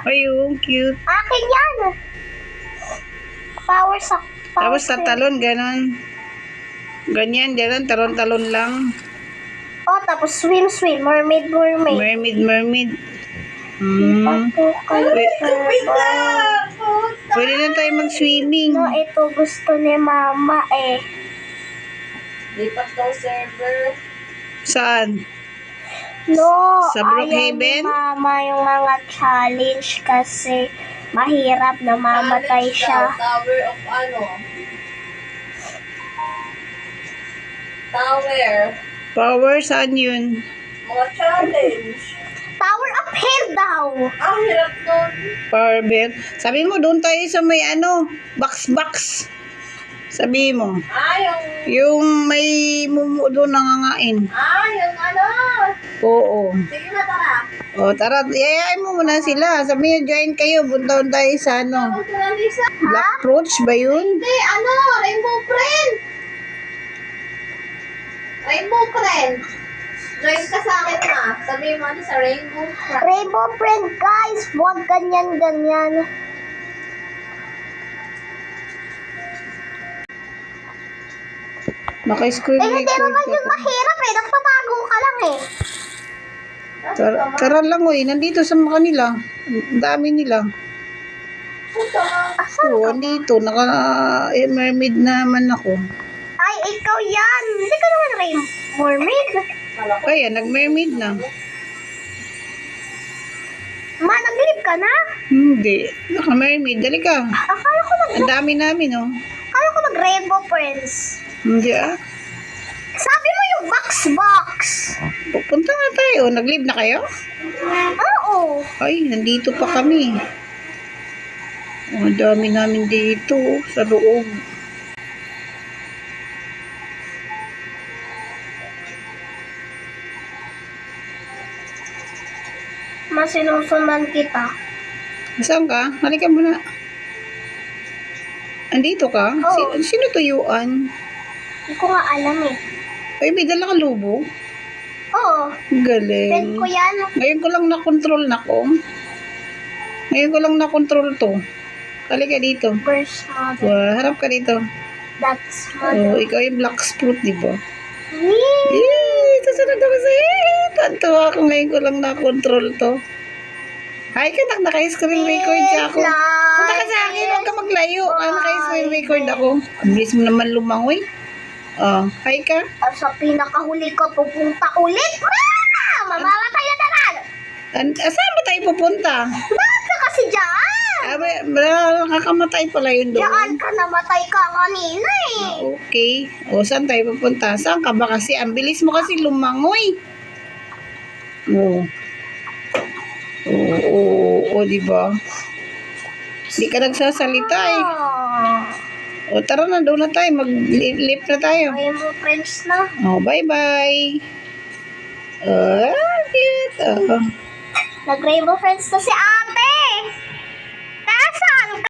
Ayun, cute. Akin yan. Power sa... Tapos tatalon, ganon. Ganyan, ganon, talon-talon lang. Oh, tapos swim. Mermaid. Mermaid. Pwede na tayo mag-swimming. No, ito gusto ni mama eh. Lipat daw server. Saan? No, Sa ayaw ni Brookhaven? mama yung mga challenge kasi mahirap na mamatay Challenge siya. daw, Tower of ano? Tower. Power, saan yun? Mga challenge. Tower of Hell daw. Ang hirap nun. Power bell. Sabi mo, doon tayo sa may box. Sabi mo. Yung may mumu doon nangangain. Yung ano. Oo. Sige na, tara. O, tara, yayain mo muna sila. Sabi niyo, join kayo. Puntaon tayo sa ano. Tawag ko na, Lisa. Black Roach ba yun? Hindi, Rainbow Friend. Rainbow Friend. Join ka sa akin na. Sabi mo sa Rainbow Friend. Rainbow Friend guys, huwag ganyan. Naka-screen Hindi record naman ka yung pa. mahirap eh, nagtatago ka lang eh. Tara lang, oy. Nandito sa kanila. Ang dami nila. Oo, andito. Mermaid naman ako. Ay, ikaw yan. Hindi ka naman mermaid. Kaya, nag-mermaid na. Ma, naglilip ka na? Hindi. Naka-mermaid. Dali ka. Akala ko Ang dami namin, oh. Rainbow Friends. Hindi, ah. Sabi mo yung box. Pupunta nga tayo. Nag-live na kayo? Oo. Ay, nandito pa kami. Oh, ang dami namin dito sa loob. Masinusundan kita. Saan ka? Halika muna. Andito ka? Oo. Sino tuyuan? Hindi ko nga alam eh. Ay, may dala ka lubo? Oo. Galing. Friend ko yan. Ngayon ko lang na-control to. Halika dito. First mother. Harap ka dito. That's Oh, mother. ikaw yung black fruit, di ba? Wee! Eh, susunod ako sa'yo. Tantuwa ako ngayon ko lang na-control to. Hi ka, naka-screen record siya ako. Punta ka sa akin, huwag ka maglayo. Naka-screen record ako. Ang bilis mo naman lumangoy. Oh, hi ka. Sa pinakahuli ko, pupunta ulit. Mamamatay na naman. Saan ba tayo pupunta? Bakit ka kasi dyan? Nakakamatay pala yun doon. Diyan ka namatay ka kanina eh. Okay. O, saan tayo pupunta? Saan ka ba kasi? Ang bilis mo kasi lumangoy. Oo, di ba? Hindi ka nagsasalita eh. O, tara na, doon na tayo. Mag-lift na tayo. Ay mo friends na. O, bye-bye. Cute. Nag-rainbow friends na si ate.